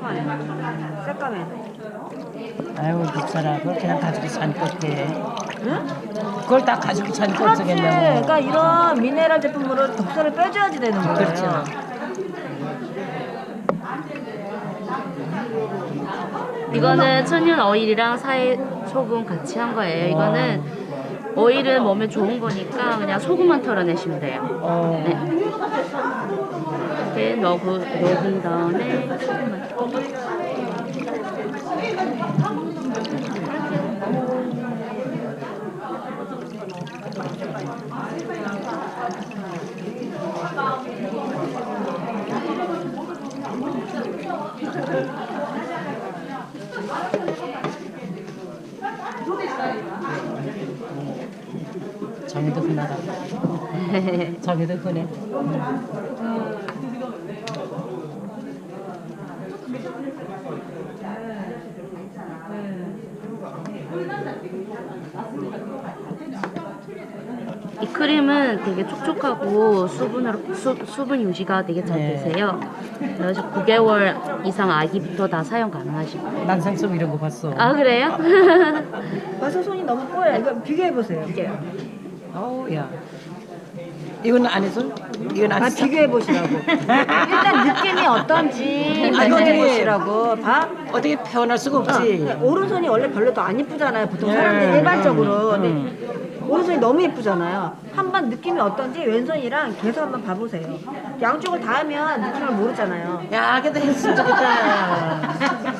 까마네. 새까매. 아이고 비싸라. 그걸 그냥 가지고 사니까 어떡해. 응? 그걸 다 가지고 사니까 그렇지. 어쩌겠냐고. 그러니까 이런 미네랄 제품으로 독소를 빼줘야지 되는 거예요. 그렇죠. 이거는 천연 오일이랑 사회 소금 같이 한 거예요. 이거는 오일은 몸에 좋은 거니까 그냥 소금만 털어내시면 돼요. 네. 이렇게 녹은 다음에 소금만. 정이도 흔하다. 정이도 흔해. 이 크림은 되게 촉촉하고 수분 유지가 되게 잘 네. 되세요. 그래서 9개월 이상 아기부터 다 사용 가능하시고. 난생송 이런 거 봤어. 아 그래요? 벌써 손이 너무 뽀얘. 이거 비교해보세요. 어우 야. 이건 안 해서? 이건 안 아, 했어? 비교해보시라고. 일단 느낌이 어떤지 느껴보시라고. 봐. 어떻게 표현할 수가 없지. 오른손이 원래 별로 더 안 예쁘잖아요. 보통 사람들이 일반적으로. 근데 오른손이 너무 예쁘잖아요. 한번 느낌이 어떤지 왼손이랑 계속 한번 봐보세요. 양쪽을 다 하면 느낌을 모르잖아요. 야, 그래도 했으면 좋겠다.